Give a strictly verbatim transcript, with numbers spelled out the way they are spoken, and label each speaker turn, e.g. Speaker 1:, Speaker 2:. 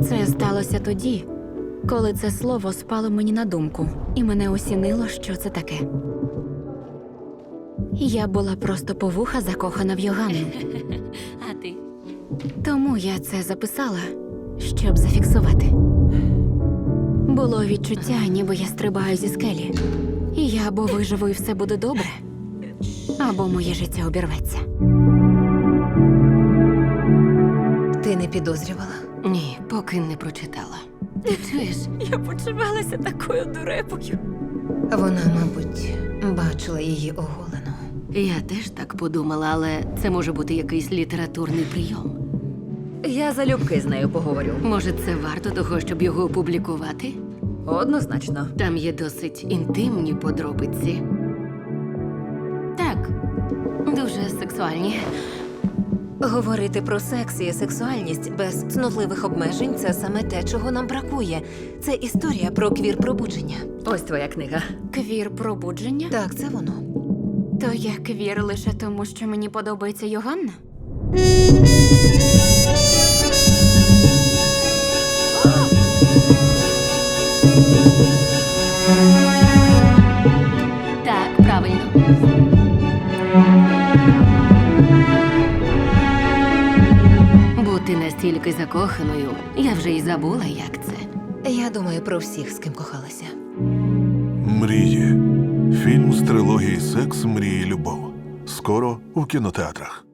Speaker 1: Це сталося тоді, коли це слово спало мені на думку, і мене осінило, що це таке. Я була просто по вуха закохана в Йоганну.
Speaker 2: А ти?
Speaker 1: Тому я це записала, щоб зафіксувати. Було відчуття, ніби я стрибаю зі скелі. І я або виживу, і все буде добре, або моє життя обірветься.
Speaker 3: Ти не підозрювала?
Speaker 2: Ні, поки не прочитала. Ти чуєш?
Speaker 1: Я почувалася такою дурепою.
Speaker 3: Вона, мабуть, бачила її оголену.
Speaker 2: Я теж так подумала, але це може бути якийсь літературний прийом.
Speaker 4: Я залюбки з нею поговорю.
Speaker 2: Може, це варто того, щоб його опублікувати?
Speaker 4: Однозначно.
Speaker 2: Там є досить інтимні подробиці. Так, дуже сексуальні.
Speaker 3: Говорити про секс і сексуальність без цнотливих обмежень – це саме те, чого нам бракує. Це історія про квір-пробудження.
Speaker 4: Ось твоя книга.
Speaker 1: Квір-пробудження?
Speaker 3: Так, це воно.
Speaker 1: То я квір лише тому, що мені подобається Йоганна?
Speaker 2: Так, правильно. Бути настільки закоханою, я вже й забула, як це.
Speaker 3: Я думаю про всіх, з ким кохалася.
Speaker 5: Мрії. Фільм з трилогії «Секс, мрії, любов». Скоро у кінотеатрах.